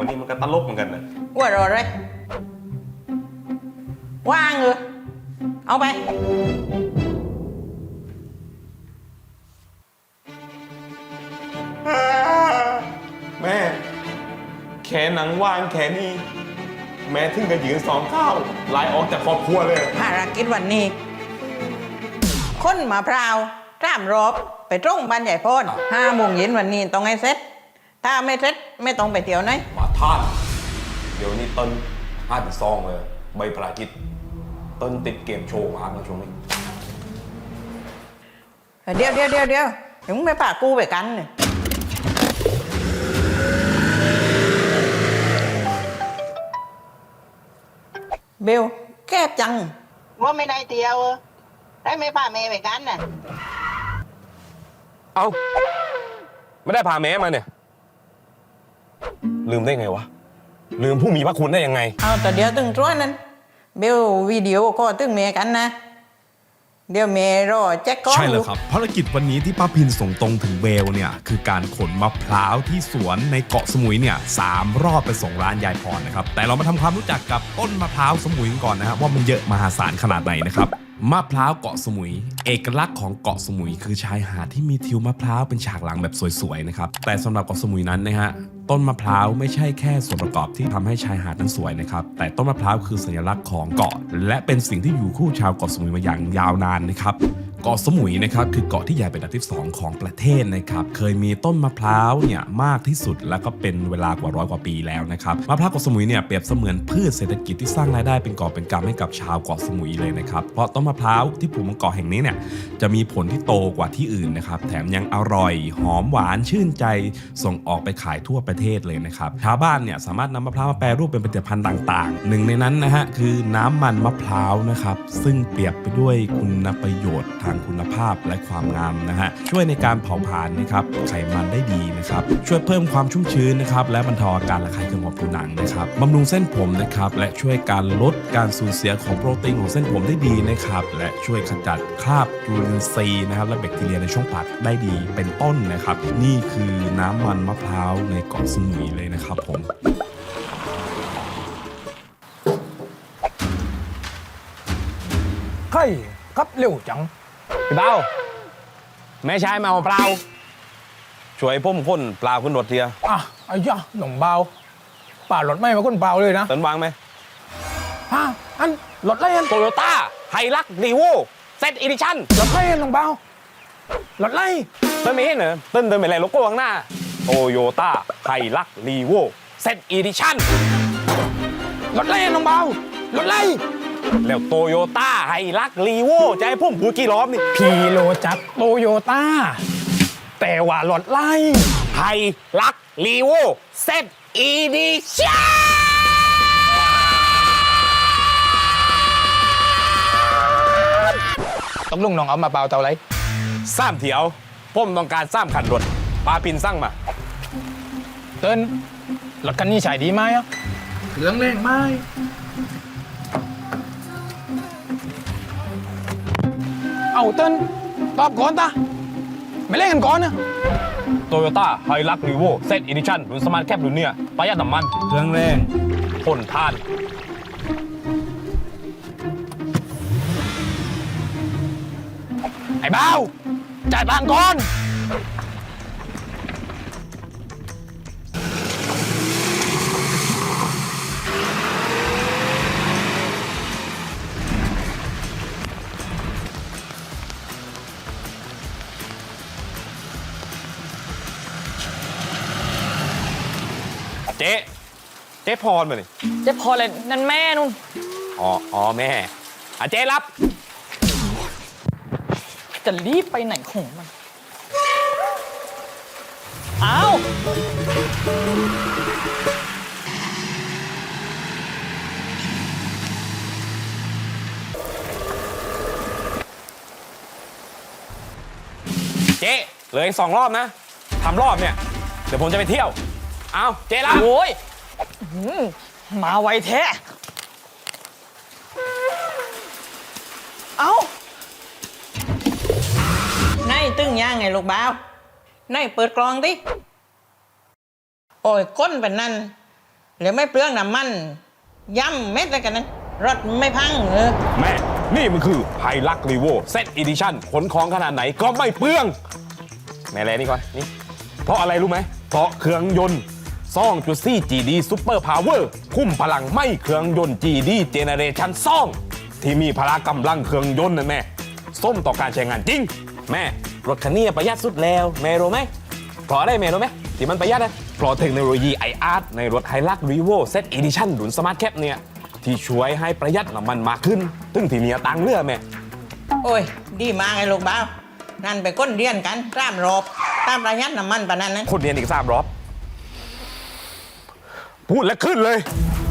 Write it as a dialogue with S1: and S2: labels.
S1: นี่มันก็ตลกเหมือนกันนะ
S2: ว่ารอเลยว่างเหรอเอาไป
S1: แม่แขนหนังว่างแขนนี้แม่ถึงกับยืน2 ข้าวลายออกจากครอบครัวเลย
S2: ภารกิจวันนี้ค้นมะพร้าว3 รอบไปตรงบ้านใหญ่โพน5 โมงเย็นวันนี้ต้องให้เสร็จถ้าไม่เสร็จไม่ต้องไปเที่ยวไหน
S1: ว่าท่านเดี๋ยวนี้ต้น5-2เลยใบภารกิจต้นติดเกมโชว์มากนะช่วงนี้
S2: เดี๋ยวถึงไม่ป่ากูไปกันเนี่ยเบลแก้จังว่าไม่ได้เที่ยวได้ไม่ป่าเมย์ไปกันน่ะ
S1: เอาไม่ได้พาแม้มาเนี่ยลืมได้ไงวะลืมผู้มีพระคุณได้ยังไง
S2: เอาแต่เดี๋ยวตึงจ้วนนั้นเบลวิดีโอก็ตึงเมย์กันนะเดี๋ยวเมย์รอแจ็คก้อน
S3: ใช่แล้วครับภารกิจวันนี้ที่ป้าพินส่งตรงถึงเวลเนี่ยคือการขนมะพร้าวที่สวนในเกาะสมุยเนี่ย3 รอบไปส่งร้านยายพรนะครับแต่เรามาทำความรู้จักกับต้นมะพร้าวสมุยกันก่อนนะครับว่ามันเยอะมหาศาลขนาดไหนนะครับมะพร้าวเกาะสมุยเอกลักษณ์ของเกาะสมุยคือชายหาดที่มีทิวมะพร้าวเป็นฉากหลังแบบสวยๆนะครับแต่สำหรับเกาะสมุยนั้นนะฮะต้นมะพร้าวไม่ใช่แค่ส่วนประกอบที่ทำให้ชายหาดนั้นสวยนะครับแต่ต้นมะพร้าวคือสัญลักษณ์ของเกาะและเป็นสิ่งที่อยู่คู่ชาวเกาะสมุยมาอย่างยาวนานนะครับเกาะสมุยนะครับคือเกาะที่ใหญ่เป็นอันดับที่2ของประเทศนะครับเคยมีต้นมะพร้าวเนี่ยมากที่สุดแล้วก็เป็นเวลากว่า100 กว่าปีแล้วนะครับมะพร้าวเกาะสมุยเนี่ยเปรียบเสมือนพืชเศรษฐกิจที่สร้างรายได้เป็นกอบเป็นกำให้กับชาวเกาะสมุยเลยนะครับเพราะต้นมะพร้าวที่ปลูกบนเกาะแห่งนี้เนี่ยจะมีผลที่โตกว่าที่อื่นนะครับแถมยังอร่อยหอมหวานชื่นใจส่งออกไปขายทั่วประเทศเลยนะครับชาวบ้านเนี่ยสามารถนำมะพร้าวมาแปรรูปเป็นผลิตภัณฑ์ต่างๆหนึ่งในนั้นนะฮะคือน้ำมันมะพร้าวนะครับซึ่งเปรียบไปด้วยคุณประโยชน์ทางคุณภาพและความงามนะฮะช่วยในการเผาผลาญนะครับไขมันได้ดีนะครับช่วยเพิ่มความชุ่มชื้นนะครับและบรรเทาอาการระคายเคืองของผิวหนังนะครับบำรุงเส้นผมนะครับและช่วยการลดการสูญเสียของโปรตีนของเส้นผมได้ดีนะครับและช่วยขจัดคราบจุลินทรีย์นะครับและแบคทีเรียในช่องปากได้ดีเป็นต้นนะครับนี่คือน้ำมันมะพร้าวในเกาะสมุยเลยนะครับผม
S4: เฮ้ยครับเร็วจัง
S1: พี่เบ้าแม่ชายมาเอาเปล่าช่วยพุ่มค้นปลาขึ้นรถเทีย
S4: อ่ะไอ้ย่าหนุ่มเบาป่ารถไม่มาก้นเบาเลยนะ
S1: ต้นวางไหม
S4: ฮะอันรถไล่อัน
S1: โตโยต้าไฮลักรีโวเซตอีดิชั่น
S4: รถไล่อันหนุ่มเบารถไล่
S1: ต้นไม่เห็นเหรอต้นเดินไปอะไรโลโก้ข้างหน้าโตโยต้าไฮลักรีโวเซตอีดิชั่น
S4: รถไล่อันหนุ่มเบารถไล่
S1: แล้วโตโยต้าไฮลักรีโวจะให้พุ่มพูดกี่รอบนี่
S4: พีโลจักรโตโยต้าแต่ว่ารถไล่
S1: ไฮลักรีโวเซตอีดิชั่น
S4: ต้องลุงน้องเอามาเปล่าเท่าไร
S1: 3 เถียวผมต้องการ3 คันรถปลาปินสั่งมา
S4: เติ้นรถคันนี้ใช้ดีไหมอ่ะเครื่องแรงไหมเอาเติ้นตอบก่อนตาไม่เล่นกันก่อนนะ
S1: โตโยต้าไฮลักรีโวเซตอีดิชั่นรุ่นสมาร์ทแคปรุ่นเนี่ยประหยัดน้ำมัน
S4: เครื่องแรง
S1: ทนทาน
S4: ไอ้เบ้าจ่ายตังค์ก่อน
S1: เจ๊พรมาเลย
S5: เจ๊พอเลยนั่นแม่นุ่น
S1: อ๋อแม่เจ๊รับ
S5: จะรีบไปไหนของมันอ้าว
S1: เจ๊เหลืออีก2 รอบนะทำรอบเนี่ยเดี๋ยวผมจะไปเที่ยวเอาเจ๊รับ
S5: โอ้ยอื้อมาไวแท้ เอ้า
S2: ในตึงย่างไงลูกบ่าวในเปิดกลองดิโอ้ยก้นแบบนั้นหรือไม่เปลืองน้ำมันย่ำเม็ดอะไรกันนั้นรถไม่พัง
S3: แม่ นี่มันคือไฮลักรีโวเซตอีดิชั่นขนของขนาดไหนก็ไม่เปลือง แม่แลนี่ก่อนนี่เพราะอะไรรู้ไหมเพราะเครื่องยนต์2.4 GD Super Power คุ้มพลังไม่เครื่องยนต์ GD Generation 2ที่มีพละกำลังเครื่องยนต์นั่นแม่ส้มต่อการใช้งานจริง แม่รถคันนี้ประหยัดสุดแล้วแม่รู้ไหมเพราะอะไรแม่รู้ไหมที่มันประหยัดนะเพราะเทคโนโลยี iArt ในรถ Hilux Revo Set Edition รุ่น Smart Cap เนี่ยที่ช่วยให้ประหยัดน้ำมันมากขึ้นตึงที่มีตังค์เลือแม่
S2: โอ้ยดีมากไอ้ลูกบ้าวนั่นไปก้นเรียนกันตามรอบตามประหยัดน้ำมันปะนั้นนะ
S3: คนเรียนอีก3 รอบพูดแล้วขึ้นเลย